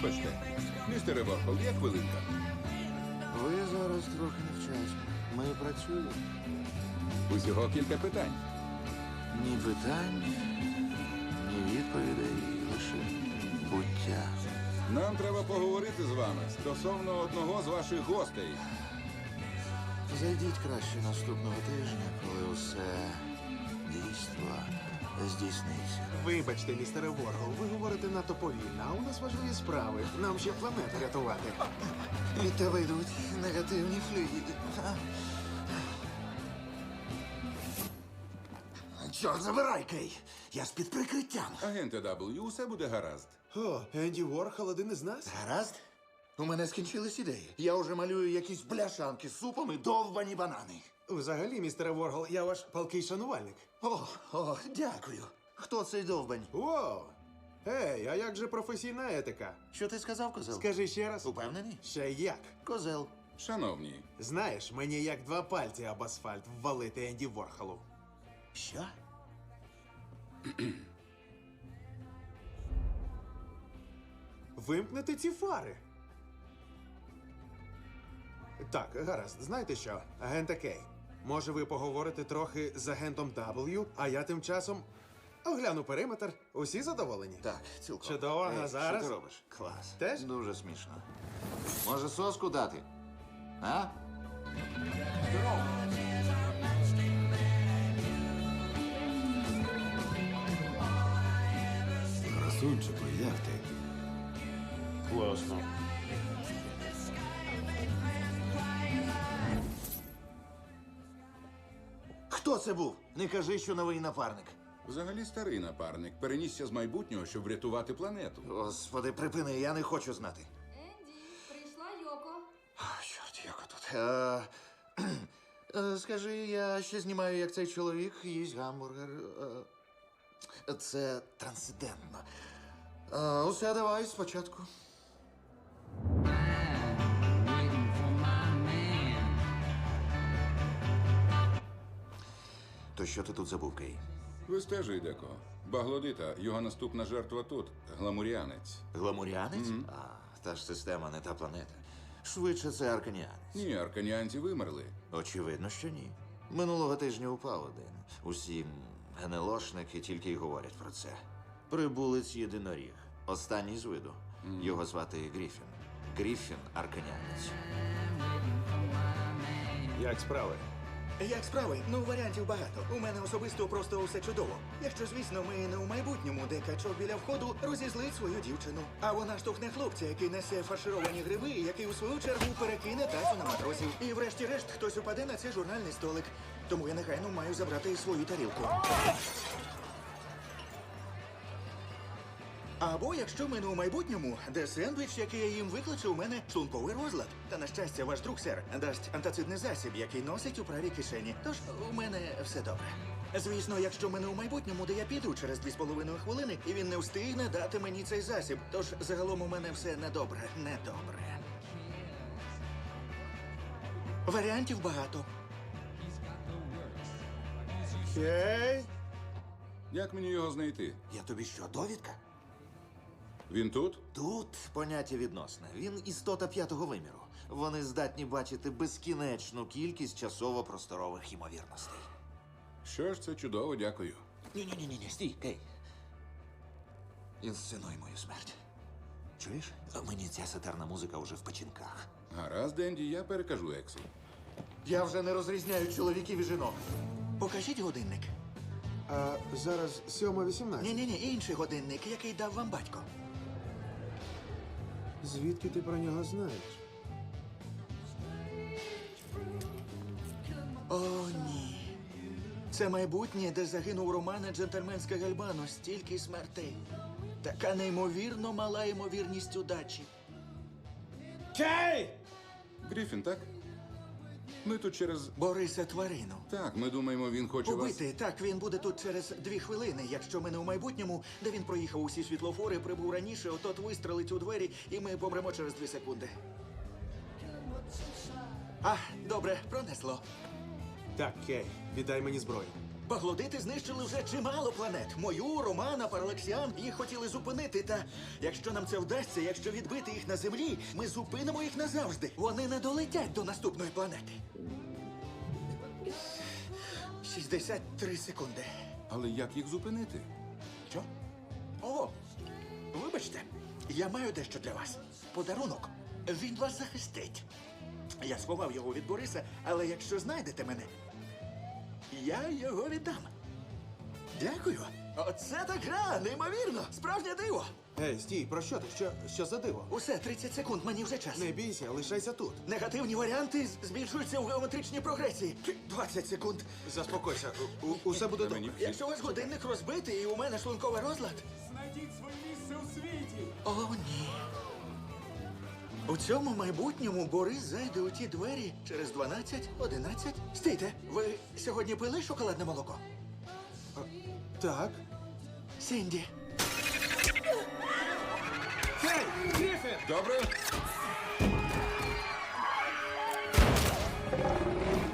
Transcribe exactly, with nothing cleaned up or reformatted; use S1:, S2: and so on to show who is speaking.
S1: Вибачте, містере Ворхол, є хвилинка?
S2: Ви зараз трохи невчасно. Ми працюємо.
S1: Усього кілька питань.
S2: Ні питань, ні відповідей, лише буття.
S1: Нам треба поговорити з вами стосовно одного з ваших гостей.
S2: Зайдіть краще наступного тижня, коли усе дійство здійсниться.
S3: Вибачте, містере Воргол, ви говорите надто повільно, а у нас важливі справи. Нам ще планету рятувати.
S2: Від тебе йдуть негативні флюїди. Чорт, забирай, Кей! Я з-під прикриттям.
S1: Агенте W, усе буде гаразд.
S3: О, Енді Ворхол один із нас?
S2: Гаразд? У мене скінчились ідеї. Я вже малюю якісь бляшанки з супом і довбані банани.
S3: Взагалі, містере Воргол, я ваш палкий шанувальник.
S2: О, о, дякую. Хто цей довбань?
S3: О! Ей, а як же професійна етика?
S2: Що ти сказав, козел?
S3: Скажи ще раз.
S2: Упевнений?
S3: Ще як?
S2: Козел.
S1: Шановні,
S3: Знаєш, мені як два пальці об асфальт ввалити Енді Ворхолу.
S2: Що?
S3: Вимкнете ці фари. Так, гаразд, знаєте що, агента Кей, може ви поговорите трохи з агентом W, а я тим часом огляну периметр. Усі задоволені?
S2: Так, цілком.
S3: Чудово, а
S2: Ей,
S3: зараз?
S2: Що ти робиш? Клас.
S3: Теж?
S2: Дуже смішно. Може, соску дати? А?
S4: Красунчику, як ти?
S3: Класно.
S2: Хто це був? Не кажи, що новий напарник.
S1: взагалі старий напарник перенісся з майбутнього, щоб врятувати планету.
S2: Господи, припини, я не хочу знати.
S5: Енді, прийшла Йоко.
S2: А, чорт, як тут. Е, е, скажи, я ще знімаю, як цей чоловік їсть гамбургер. Е, це трансцендентно. Е, усе, давай спочатку. То що ти тут забув, Кей?
S1: Вистежуй, Деко. Баглодита, його наступна жертва тут, гламуріанець.
S2: Гламуріанець? А, та ж система, не та планета. Швидше це арканіанець.
S1: Ні, арканіанці вимерли.
S2: Очевидно, що ні. Минулого тижня упав один. Усі генелошники тільки й говорять про це. Прибулець єдиноріг. Останній з виду. Його звати Гріфін. Гріфін арканіанець.
S3: Як справи?
S6: Як справи? Ну, варіантів багато. У мене особисто просто усе чудово. Якщо, звісно, ми не у майбутньому, де качок біля входу розізлить свою дівчину. А вона штовхне хлопця, який несе фаршировані гриби, і який у свою чергу перекине тацю на матросів. І врешті-решт хтось упаде на цей журнальний столик. Тому я негайно маю забрати свою тарілку. Або якщо ми не у майбутньому, де сендвіч, який я їм викличе, у мене шлунковий розлад. Та на щастя, ваш друг сер дасть антацидний засіб, який носить у правій кишені. Тож у мене все добре. Звісно, якщо ми не у майбутньому, де я піду через дві з половиною хвилини, і він не встигне дати мені цей засіб. Тож загалом у мене все недобре, недобре. Варіантів багато.
S3: Кей?
S1: Як мені його знайти?
S2: Я тобі що, довідка?
S1: Він тут?
S2: Тут поняття відносне. Він істота п'ятого виміру. Вони здатні бачити безкінечну кількість часово-просторових ймовірностей.
S1: Що ж, це чудово, дякую.
S2: Ні-ні-ні, ні, стій, Кей. Інсценуй мою смерть. Чуєш? Мені ця сатарна музика вже в печінках.
S1: Гаразд, Енді, я перекажу Ексу.
S2: Я вже не розрізняю чоловіків і жінок.
S6: Покажіть годинник.
S3: А зараз сьома вісімнадцять.
S6: Ні-ні-ні, інший годинник, який дав вам батько.
S3: Звідки ти про нього знаєш?
S6: О, ні. Це майбутнє, де загинув Романа Джентльменська Гальбано. Стільки смертей. Така неймовірно мала ймовірність удачі.
S3: Кей!
S1: Гріфін, так? Ми тут через...
S6: Бориса тварину.
S1: Так, ми думаємо, він хоче вас...
S6: Убити. Так, він буде тут через дві хвилини. Якщо ми не у майбутньому, де він проїхав усі світлофори, прибув раніше, отот вистрелить у двері, і ми помремо через дві секунди. А, добре, пронесло.
S3: Так, Кей, віддай мені зброю.
S6: Баглодити знищили вже чимало планет. Мою, Романа, Паралексіан. Їх хотіли зупинити. Та якщо нам це вдасться, якщо відбити їх на землі, ми зупинимо їх назавжди. Вони не долетять до наступної планети. шістдесят три секунди.
S1: Але як їх зупинити?
S6: Що? О, вибачте, я маю дещо для вас. Подарунок. Він вас захистить. Я сховав його від Бориса, але якщо знайдете мене, я його віддам. Дякую. Оце так гра, неймовірно, справжнє диво.
S3: Ей, стій, про що ти? Що, що за диво?
S6: Усе, тридцять секунд, мені вже час.
S3: Не бійся, лишайся тут.
S6: Негативні варіанти з- збільшуються в геометричній прогресії. двадцять секунд.
S3: Заспокойся, у, у- усе буде
S1: На
S3: добре.
S1: мені
S6: Якщо у вас годинник розбитий і у мене шлунковий розлад.
S7: Знайдіть своє місце у світі.
S6: О, ні. У цьому майбутньому Борис зайде у ті двері через дванадцять, одинадцять. Стійте, ви сьогодні пили шоколадне молоко?
S3: Так.
S6: Сінді.
S3: Гей, Гріфін!
S1: Добре?